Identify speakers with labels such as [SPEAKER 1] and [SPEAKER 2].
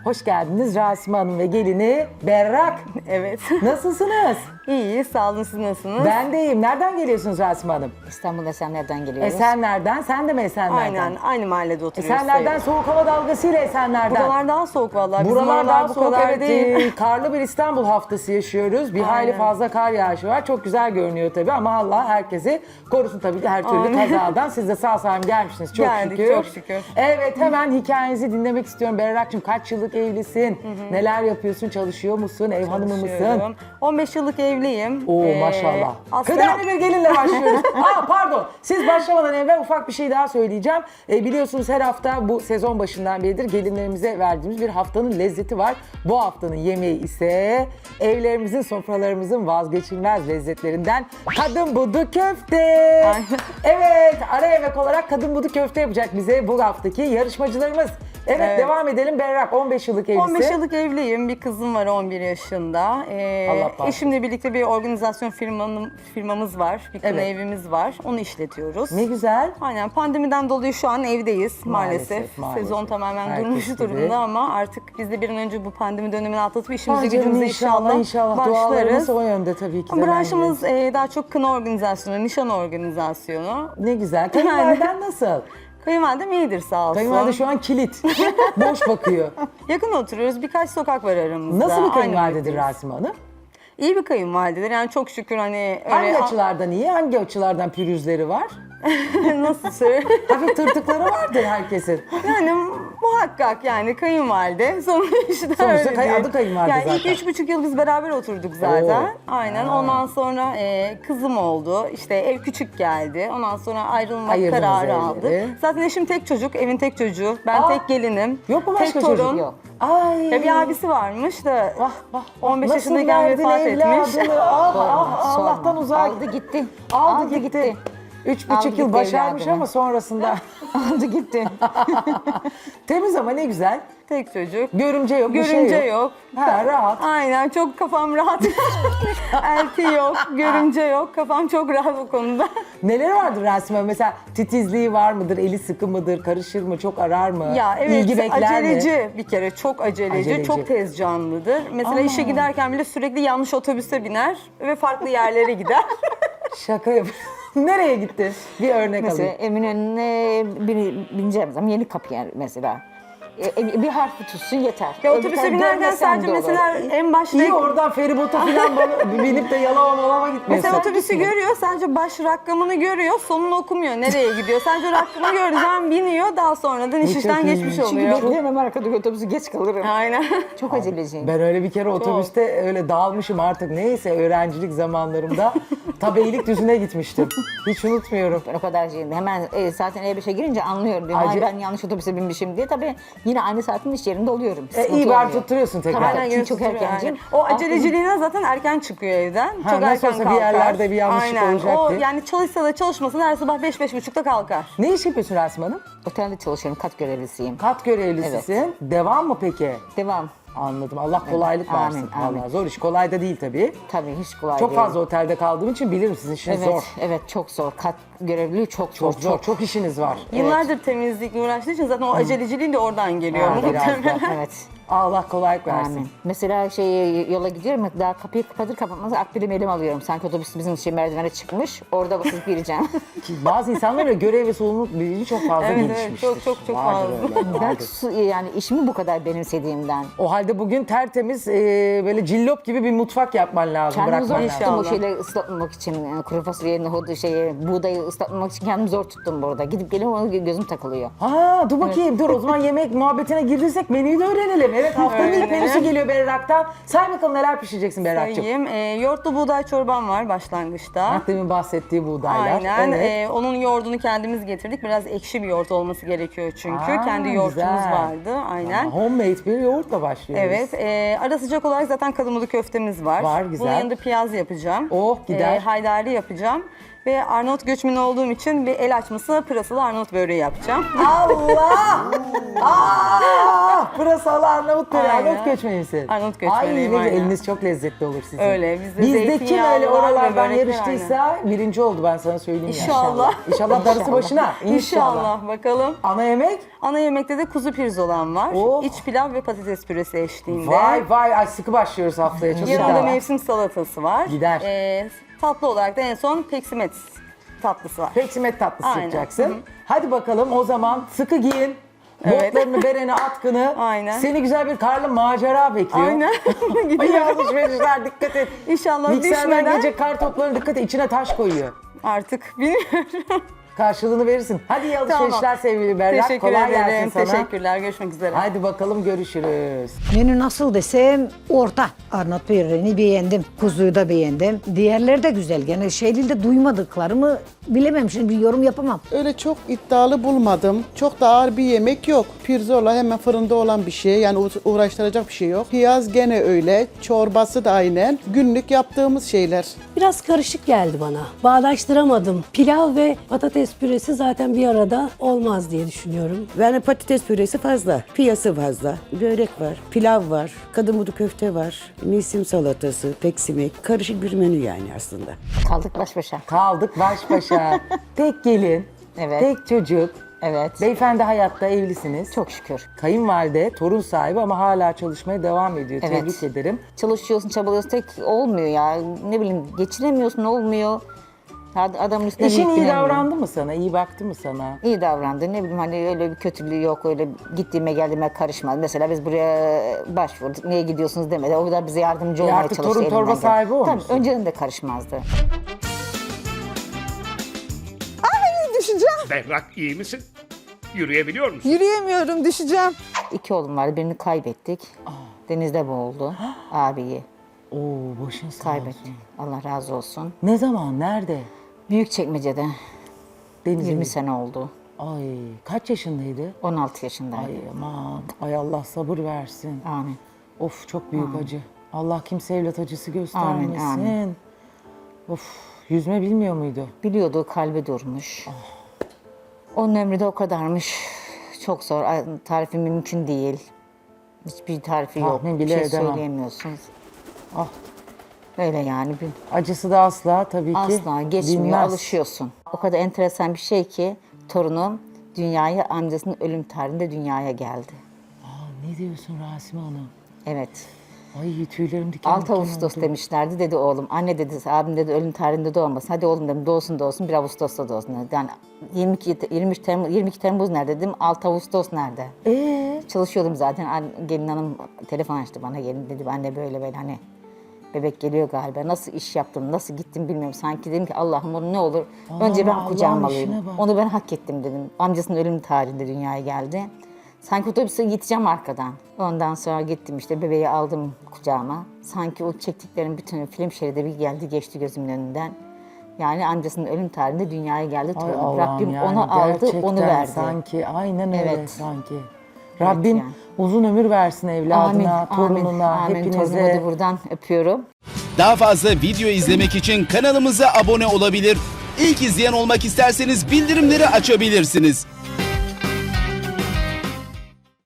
[SPEAKER 1] Hoş geldiniz Rasime Hanım ve gelini Berrak.
[SPEAKER 2] Evet.
[SPEAKER 1] Nasılsınız?
[SPEAKER 2] İyi, sağ olun, siz nasılsınız?
[SPEAKER 1] Ben de iyiyim. Nereden geliyorsunuz Rasime Hanım?
[SPEAKER 3] İstanbul Esenler'den geliyoruz.
[SPEAKER 1] Esenler'den. Sen de mi Esenler'den?
[SPEAKER 2] Aynen, aynı mahallede oturuyoruz.
[SPEAKER 1] Esenler'den
[SPEAKER 2] sayılır.
[SPEAKER 1] soğuk hava dalgasıyla Esenler'den.
[SPEAKER 2] Buralar daha soğuk vallahi. Bizim
[SPEAKER 1] Buralar
[SPEAKER 2] oralar
[SPEAKER 1] daha
[SPEAKER 2] bu
[SPEAKER 1] soğuk.
[SPEAKER 2] kadar
[SPEAKER 1] Evet,
[SPEAKER 2] değil.
[SPEAKER 1] karlı bir İstanbul haftası yaşıyoruz. Bir hayli
[SPEAKER 2] Aynen.
[SPEAKER 1] fazla kar yağışı var. Çok güzel görünüyor tabii ama Allah herkesi korusun tabii ki her türlü
[SPEAKER 2] Amin.
[SPEAKER 1] kazadan. Siz de sağ salim gelmişsiniz. Çok
[SPEAKER 2] Geldik,
[SPEAKER 1] şükür.
[SPEAKER 2] çok şükür.
[SPEAKER 1] Evet, hemen hikayenizi dinlemek istiyorum. Berrak'cığım kaç yıllık evlisin? Neler yapıyorsun? Çalışıyor musun? Ev hanımı mısın?
[SPEAKER 2] Çalışıyorum. 15 yıllık evliyim.
[SPEAKER 1] Oo maşallah.
[SPEAKER 2] Aslında
[SPEAKER 1] Kıdemli bir gelinle başlıyoruz. Pardon. Siz başlamadan evvel ufak bir şey daha söyleyeceğim. Biliyorsunuz her hafta bu sezon başından beridir gelinlerimize verdiğimiz bir haftanın lezzeti var. Bu haftanın yemeği ise evlerimizin, sofralarımızın vazgeçilmez lezzetlerinden kadın budu köfte. Evet, ara yemek olarak kadın budu köfte yapacak bize bu haftaki yarışmacılarımız. Evet, devam edelim. Berrak 15 yıllık evlisi.
[SPEAKER 2] 15 yıllık evliyim. Bir kızım var 11 yaşında.
[SPEAKER 1] Allah bağışlasın.
[SPEAKER 2] Eşimle birlikte bir organizasyon firmamız var. Bir kına
[SPEAKER 1] Evet.
[SPEAKER 2] evimiz var. Onu işletiyoruz.
[SPEAKER 1] Ne güzel.
[SPEAKER 2] Aynen, pandemiden dolayı şu an evdeyiz maalesef.
[SPEAKER 1] Maalesef.
[SPEAKER 2] Sezon tamamen
[SPEAKER 1] Herkes
[SPEAKER 2] durmuş
[SPEAKER 1] gibi.
[SPEAKER 2] durumda ama artık biz de bir an önce bu pandemi dönemini atlatıp işimize
[SPEAKER 1] Ay canım,
[SPEAKER 2] gücümüze
[SPEAKER 1] inşallah
[SPEAKER 2] inşallah
[SPEAKER 1] dualarımız
[SPEAKER 2] başlarız.
[SPEAKER 1] o yönde tabii ki de.
[SPEAKER 2] Branşımız daha çok kına organizasyonu, nişan organizasyonu.
[SPEAKER 1] Ne güzel. Kayınvaliden nasıl?
[SPEAKER 2] Kayınvalidem iyidir sağ olsun.
[SPEAKER 1] Kayınvalide şu an kilit. Boş bakıyor.
[SPEAKER 2] Yakın oturuyoruz, birkaç sokak var aramızda.
[SPEAKER 1] Nasıl bir
[SPEAKER 2] Aynı
[SPEAKER 1] kayınvalidedir
[SPEAKER 2] boyuttayız.
[SPEAKER 1] Rasime Hanım?
[SPEAKER 2] İyi bir kayınvalidedir. Yani çok şükür hani
[SPEAKER 1] Hangi
[SPEAKER 2] öyle
[SPEAKER 1] açılardan iyi, hangi açılardan pürüzleri var?
[SPEAKER 2] nasıl söyleyeyim?
[SPEAKER 1] Hafif tırtıkları vardır herkesin.
[SPEAKER 2] Yani muhakkak yani kayınvalide sonuçta
[SPEAKER 1] Sonuçta
[SPEAKER 2] öyle
[SPEAKER 1] adı kayınvalide
[SPEAKER 2] yani
[SPEAKER 1] zaten.
[SPEAKER 2] ilk 3,5 yıl biz beraber oturduk zaten.
[SPEAKER 1] Oo.
[SPEAKER 2] Aynen.
[SPEAKER 1] Ha.
[SPEAKER 2] Ondan sonra kızım oldu. İşte ev küçük geldi. Ondan sonra ayrılmak
[SPEAKER 1] Ayırdınız
[SPEAKER 2] kararı
[SPEAKER 1] evleri.
[SPEAKER 2] aldık. Zaten eşim tek çocuk, evin tek çocuğu. Ben
[SPEAKER 1] Aa.
[SPEAKER 2] tek gelinim.
[SPEAKER 1] Yok mu başka
[SPEAKER 2] tek
[SPEAKER 1] çocuk?
[SPEAKER 2] torun.
[SPEAKER 3] Yok.
[SPEAKER 1] Ay.
[SPEAKER 2] Ya bir abisi varmış da
[SPEAKER 1] Vah, vah,
[SPEAKER 2] 15
[SPEAKER 1] Nasıl
[SPEAKER 2] yaşındayken
[SPEAKER 1] verdin
[SPEAKER 2] vefat etmiş.
[SPEAKER 1] evladını? Ah,
[SPEAKER 3] Sorma.
[SPEAKER 1] Allah'tan uzak.
[SPEAKER 3] Aldı gitti.
[SPEAKER 1] Aldı gitti. 3,5
[SPEAKER 3] Aldı
[SPEAKER 1] yıl
[SPEAKER 3] gitti
[SPEAKER 1] başarmış
[SPEAKER 3] evladını.
[SPEAKER 1] ama sonrasında.
[SPEAKER 3] Aldı gitti.
[SPEAKER 1] Temiz ama ne güzel.
[SPEAKER 2] Tek çocuk.
[SPEAKER 1] Görümce yok, bir
[SPEAKER 2] Görümce
[SPEAKER 1] şey yok.
[SPEAKER 2] yok.
[SPEAKER 1] Ha, rahat.
[SPEAKER 2] Aynen, çok kafam rahat. Elti yok, görümce yok. Kafam çok rahat o konuda.
[SPEAKER 1] Neler vardır Rasime? Mesela titizliği var mıdır? Eli sıkı mıdır? Karışır mı? Çok arar mı?
[SPEAKER 2] Ya evet,
[SPEAKER 1] İlgi bekler mi?
[SPEAKER 2] aceleci bir kere, çok aceleci,
[SPEAKER 1] Aceleci.
[SPEAKER 2] çok tez canlıdır. Mesela işe giderken bile sürekli yanlış otobüse biner ve farklı yerlere gider.
[SPEAKER 1] Şaka yap. Nereye gitti? Bir örnek
[SPEAKER 3] Mesela
[SPEAKER 1] alayım.
[SPEAKER 3] Eminönü'ne bineceğim zaman yeni kapı yer mesela. Bir harfi tutsun yeter.
[SPEAKER 2] Ya
[SPEAKER 3] Öbür
[SPEAKER 2] otobüse
[SPEAKER 3] tarafı
[SPEAKER 2] binerken
[SPEAKER 3] görmesem
[SPEAKER 2] sadece
[SPEAKER 3] de olur.
[SPEAKER 2] mesela en başta...
[SPEAKER 1] İyi oradan feribota falan binip de yalama malama gitmiyorsun.
[SPEAKER 2] Mesela otobüsü görüyor, sadece baş rakamını görüyor, sonunu okumuyor. Nereye gidiyor? Sadece rakamı göreceğim, biniyor, daha sonradan iş
[SPEAKER 1] çok
[SPEAKER 2] işten
[SPEAKER 1] iyi.
[SPEAKER 2] geçmiş
[SPEAKER 3] Çünkü
[SPEAKER 2] oluyor.
[SPEAKER 3] bekleyemem arkadaki otobüsü geç kalırım.
[SPEAKER 2] Aynen.
[SPEAKER 3] Çok aceleciyim.
[SPEAKER 1] Ben öyle bir kere otobüste öyle dağılmışım artık neyse öğrencilik zamanlarımda ta Beylikdüzü'ne gitmiştim. Hiç unutmuyorum.
[SPEAKER 3] Ben o kadar şeyim. Hemen zaten E5'e girince anlıyorum. Diyorum,
[SPEAKER 1] Acı-
[SPEAKER 3] Ay ben yanlış otobüse binmişim diye. Tabii yine aynı saatin iş yerinde oluyorum.
[SPEAKER 1] İyi
[SPEAKER 3] Sıkıntı
[SPEAKER 1] bari
[SPEAKER 3] olmuyor.
[SPEAKER 1] tutturuyorsun tekrar.
[SPEAKER 3] Tabii,
[SPEAKER 2] Aynen,
[SPEAKER 3] çünkü çok
[SPEAKER 2] tutuyor
[SPEAKER 3] erkencim.
[SPEAKER 2] yani. O aceleciliğine zaten erken çıkıyor evden.
[SPEAKER 1] Ha,
[SPEAKER 2] çok
[SPEAKER 1] nasıl
[SPEAKER 2] erken
[SPEAKER 1] olsa bir
[SPEAKER 2] kalkar.
[SPEAKER 1] yerlerde bir yanlışlık
[SPEAKER 2] Aynen.
[SPEAKER 1] olacak
[SPEAKER 2] O
[SPEAKER 1] diye.
[SPEAKER 2] yani çalışsa da çalışmasa da her sabah 5-5.30'da kalkar.
[SPEAKER 1] Ne iş yapıyorsun Rasime Hanım?
[SPEAKER 3] Otelde çalışıyorum. Kat görevlisiyim.
[SPEAKER 1] Kat görevlisisin. Devam mı peki?
[SPEAKER 3] Devam.
[SPEAKER 1] Anladım. Allah kolaylık
[SPEAKER 3] Amin,
[SPEAKER 1] versin.
[SPEAKER 3] amin.
[SPEAKER 1] Vallahi zor iş. Kolay da değil tabii.
[SPEAKER 3] Tabii hiç kolay
[SPEAKER 1] Çok
[SPEAKER 3] değil.
[SPEAKER 1] fazla otelde kaldığım için bilirim sizin işiniz
[SPEAKER 3] Evet,
[SPEAKER 1] zor.
[SPEAKER 3] evet çok zor. Kat görevliliği çok zor.
[SPEAKER 1] Çok zor. Çok işiniz var.
[SPEAKER 2] Yıllardır temizlikle uğraştığı için zaten o aceleciliğin de oradan geliyor.
[SPEAKER 1] Ha, biraz da.
[SPEAKER 2] muhtemelen.
[SPEAKER 3] Evet.
[SPEAKER 1] Allah kolaylık versin.
[SPEAKER 3] Amin. Mesela yola gidiyorum daha kapıyı kapatır kapatmaz akbilimi elim alıyorum. Sanki otobüs bizim merdivene çıkmış. Orada basıp gireceğim.
[SPEAKER 1] Ki bazı insanlar öyle görev ve sorumluluk bilinci çok fazla
[SPEAKER 2] Evet, evet,
[SPEAKER 1] gelişmiştir.
[SPEAKER 2] çok
[SPEAKER 1] Vardır
[SPEAKER 2] fazla.
[SPEAKER 1] öyle,
[SPEAKER 3] Ben
[SPEAKER 1] vardır.
[SPEAKER 3] yani işimi bu kadar benimsediğimden.
[SPEAKER 1] O halde bugün tertemiz böyle cillop gibi bir mutfak yapman lazım,
[SPEAKER 3] Kendimi
[SPEAKER 1] bırakman
[SPEAKER 3] zor
[SPEAKER 1] lazım.
[SPEAKER 3] tuttum o
[SPEAKER 2] İnşallah.
[SPEAKER 3] şeyleri ıslatmamak için. Kuru fasulyeyi, nohudu, buğdayı ıslatmamak için kendimi zor tuttum burada. Gidip geliyorum ona gözüm takılıyor.
[SPEAKER 1] Ha, dur bakayım dur o zaman yemek muhabbetine girdiysek menüyü de öğrenelim. Evet, haftanın ilk
[SPEAKER 2] Öğrenelim.
[SPEAKER 1] menüsü geliyor Berrak'tan. Say bakalım neler pişireceksin Berrak'cığım.
[SPEAKER 2] Sayayım. Yoğurtlu buğday çorbam var başlangıçta.
[SPEAKER 1] Bak demin bahsettiği buğdaylar.
[SPEAKER 2] Aynen.
[SPEAKER 1] Evet.
[SPEAKER 2] Onun yoğurdunu kendimiz getirdik. Biraz ekşi bir yoğurt olması gerekiyor çünkü.
[SPEAKER 1] Aa,
[SPEAKER 2] Kendi yoğurtumuz
[SPEAKER 1] güzel.
[SPEAKER 2] vardı. Aynen.
[SPEAKER 1] Homemade bir yoğurtla başlıyoruz.
[SPEAKER 2] Evet. Ara sıcak olarak zaten kadınbudu köftemiz var.
[SPEAKER 1] Var, güzel.
[SPEAKER 2] Bunun yanında piyaz yapacağım.
[SPEAKER 1] Oh, gider.
[SPEAKER 2] Haydari yapacağım. Ve Arnavut göçmeni olduğum için bir el açması pırasalı Arnavut böreği yapacağım.
[SPEAKER 1] Allah! Pırasalı Arnavut böreği.
[SPEAKER 2] Aynen.
[SPEAKER 1] Arnavut göçmenisi.
[SPEAKER 2] Arnavut göçmeniyim,
[SPEAKER 1] Ay,
[SPEAKER 2] aynen.
[SPEAKER 1] eliniz çok lezzetli olur sizin.
[SPEAKER 2] Öyle, bizde
[SPEAKER 1] Bizde kim
[SPEAKER 2] zeytinyağlı
[SPEAKER 1] öyle
[SPEAKER 2] var ve
[SPEAKER 1] oralardan
[SPEAKER 2] börekler
[SPEAKER 1] yarıştıysa birinci oldu, ben sana söyleyeyim.
[SPEAKER 2] İnşallah.
[SPEAKER 1] İnşallah darısı başına.
[SPEAKER 2] İnşallah bakalım.
[SPEAKER 1] Ana yemek?
[SPEAKER 2] Ana yemekte de kuzu pirzolam var.
[SPEAKER 1] Oh.
[SPEAKER 2] İç pilav ve patates püresi eşliğinde.
[SPEAKER 1] Vay vay, ay sıkı başlıyoruz haftaya. Çok
[SPEAKER 2] Yanında
[SPEAKER 1] iddialı.
[SPEAKER 2] mevsim salatası var.
[SPEAKER 1] Gider.
[SPEAKER 2] Tatlı olarak da en son peksimet tatlısı var.
[SPEAKER 1] Peksimet tatlısı
[SPEAKER 2] Aynen.
[SPEAKER 1] yapacaksın.
[SPEAKER 2] Hı hı.
[SPEAKER 1] Hadi bakalım o zaman sıkı giyin.
[SPEAKER 2] Evet.
[SPEAKER 1] Botlarını, bereni, atkını.
[SPEAKER 2] Aynen.
[SPEAKER 1] Seni güzel bir karlı macera bekliyor.
[SPEAKER 2] Aynen.
[SPEAKER 1] Ay
[SPEAKER 2] Gidiyorum.
[SPEAKER 1] alışverişler, dikkat et.
[SPEAKER 2] İnşallah
[SPEAKER 1] Mikserden
[SPEAKER 2] düşmeden
[SPEAKER 1] gelecek kar toplarına dikkat et. İçine taş koyuyor.
[SPEAKER 2] artık bilmiyorum.
[SPEAKER 1] Karşılığını verirsin. Hadi iyi alışverişler
[SPEAKER 2] Tamam.
[SPEAKER 1] sevgili Berrak.
[SPEAKER 2] Teşekkür
[SPEAKER 1] Kolay
[SPEAKER 2] ederim.
[SPEAKER 1] gelsin sana.
[SPEAKER 2] Teşekkürler. Görüşmek üzere.
[SPEAKER 1] Hadi bakalım, görüşürüz.
[SPEAKER 4] Menü nasıl desem orta. Arnavut böreğini beğendim. Kuzuyu da beğendim. Diğerleri de güzel. Gene şeyli duymadıklarımı bilemem. Şimdi bir yorum yapamam.
[SPEAKER 5] Öyle çok iddialı bulmadım. Çok da ağır bir yemek yok. Pirzola hemen fırında olan bir şey. Yani uğraştıracak bir şey yok. Piyaz gene öyle. Çorbası da aynen. Günlük yaptığımız şeyler.
[SPEAKER 6] Biraz karışık geldi bana. Bağdaştıramadım. Pilav ve patates püresi zaten bir arada olmaz diye düşünüyorum.
[SPEAKER 7] Yani patates püresi fazla, piyası fazla, börek var, pilav var, kadın budu köfte var, mevsim salatası, peksimek, karışık bir menü yani aslında.
[SPEAKER 3] Kaldık baş başa.
[SPEAKER 1] Kaldık baş başa. Tek gelin,
[SPEAKER 3] Evet.
[SPEAKER 1] tek çocuk.
[SPEAKER 3] Evet.
[SPEAKER 1] Beyefendi hayatta, evlisiniz.
[SPEAKER 3] Çok şükür.
[SPEAKER 1] Kayınvalide, torun sahibi ama hala çalışmaya devam ediyor.
[SPEAKER 3] Evet.
[SPEAKER 1] Tebrik ederim.
[SPEAKER 3] Çalışıyorsun, çabalıyorsun, tek olmuyor ya. Ne bileyim, geçinemiyorsun, olmuyor. Adamın üstüne
[SPEAKER 1] Eşin iyi
[SPEAKER 3] binemiyor.
[SPEAKER 1] davrandı mı sana? İyi baktı mı sana?
[SPEAKER 3] İyi davrandı. Ne bileyim, hani öyle bir kötülüğü yok. Öyle gittiğime geldiğime karışmadı. Mesela biz buraya başvurduk. Niye gidiyorsunuz demedi. O da bize yardımcı olmaya
[SPEAKER 1] artık
[SPEAKER 3] çalıştı.
[SPEAKER 1] torun
[SPEAKER 3] elinden
[SPEAKER 1] torba
[SPEAKER 3] geldi.
[SPEAKER 1] sahibi
[SPEAKER 3] Tabii,
[SPEAKER 1] olmuşsun.
[SPEAKER 3] önceden de karışmazdı.
[SPEAKER 8] Düşeceğim.
[SPEAKER 9] Berrak, iyi misin? Yürüyebiliyor musun?
[SPEAKER 8] Yürüyemiyorum, düşeceğim.
[SPEAKER 3] 2 oğlum vardı. Birini kaybettik. Denizde boğuldu. Abiyi
[SPEAKER 1] Oo, başın sağ
[SPEAKER 3] kaybettik.
[SPEAKER 1] olsun.
[SPEAKER 3] Allah razı olsun.
[SPEAKER 1] Ne zaman? Nerede?
[SPEAKER 3] Büyükçekmece'de.
[SPEAKER 1] Denizin.
[SPEAKER 3] 20 sene oldu.
[SPEAKER 1] Ay, kaç yaşındaydı?
[SPEAKER 3] 16 yaşındaydı.
[SPEAKER 1] Ay aman. Ay Allah sabır versin.
[SPEAKER 3] Amin.
[SPEAKER 1] Of, çok büyük acı. Allah kimse evlat acısı göstermesin.
[SPEAKER 3] amin.
[SPEAKER 1] Of, yüzme bilmiyor muydu?
[SPEAKER 3] Biliyordu, kalbi durmuş. Onun ömrü de o kadarmış. Çok zor. Tarifi mümkün değil. Hiçbir tarifi yok.
[SPEAKER 1] Tahmin
[SPEAKER 3] Bir
[SPEAKER 1] bile
[SPEAKER 3] şey
[SPEAKER 1] edemem.
[SPEAKER 3] söyleyemiyorsunuz.
[SPEAKER 1] Ah,
[SPEAKER 3] Öyle yani.
[SPEAKER 1] acısı da asla tabii ki
[SPEAKER 3] Asla geçmiyor,
[SPEAKER 1] dinmez.
[SPEAKER 3] alışıyorsun. O kadar enteresan bir şey ki torunum dünyaya, amcasının ölüm tarihinde dünyaya geldi.
[SPEAKER 1] Aa, ne diyorsun Rasime Hanım?
[SPEAKER 3] Evet.
[SPEAKER 1] Ay, tüylerim diken
[SPEAKER 3] 6
[SPEAKER 1] diken
[SPEAKER 3] Ağustos
[SPEAKER 1] oldu.
[SPEAKER 3] demişlerdi, dedi oğlum. Anne dedi, abim dedi ölüm tarihinde doğmasın. Hadi oğlum dedim, doğsun doğsun, 1 Ağustos'ta doğsun dedi. Yani 22 Temmuz nerede dedim, 6 Ağustos nerede? Çalışıyordum zaten. Gelin hanım telefon açtı bana, gelin dedi. Anne böyle böyle, hani bebek geliyor galiba. Nasıl iş yaptım, nasıl gittim bilmiyorum. Sanki dedim ki Allah'ım, onu ne olur önce ben
[SPEAKER 1] Allah'ın
[SPEAKER 3] kucağıma
[SPEAKER 1] işine
[SPEAKER 3] alayım.
[SPEAKER 1] bak.
[SPEAKER 3] Onu ben hak ettim dedim. Amcasının ölüm tarihinde dünyaya geldi. Sanki otobüse gideceğim arkadan. Ondan sonra gittim işte, bebeği aldım kucağıma. Sanki o çektiklerim bütün film şeridi bir geldi geçti gözümün önünden. Yani amcasının ölüm tarihinde dünyaya geldi.
[SPEAKER 1] Ay
[SPEAKER 3] torunum.
[SPEAKER 1] Allah'ım,
[SPEAKER 3] Rabbim
[SPEAKER 1] yani
[SPEAKER 3] onu aldı,
[SPEAKER 1] gerçekten
[SPEAKER 3] onu verdi.
[SPEAKER 1] sanki, aynen öyle
[SPEAKER 3] Evet.
[SPEAKER 1] sanki. Rabbim
[SPEAKER 3] yani.
[SPEAKER 1] uzun ömür versin evladına, torununa,
[SPEAKER 3] amin. Torunumu
[SPEAKER 1] hepinize.
[SPEAKER 3] da buradan öpüyorum.
[SPEAKER 10] Daha fazla video izlemek için kanalımıza abone olabilir. İlk izleyen olmak isterseniz bildirimleri açabilirsiniz.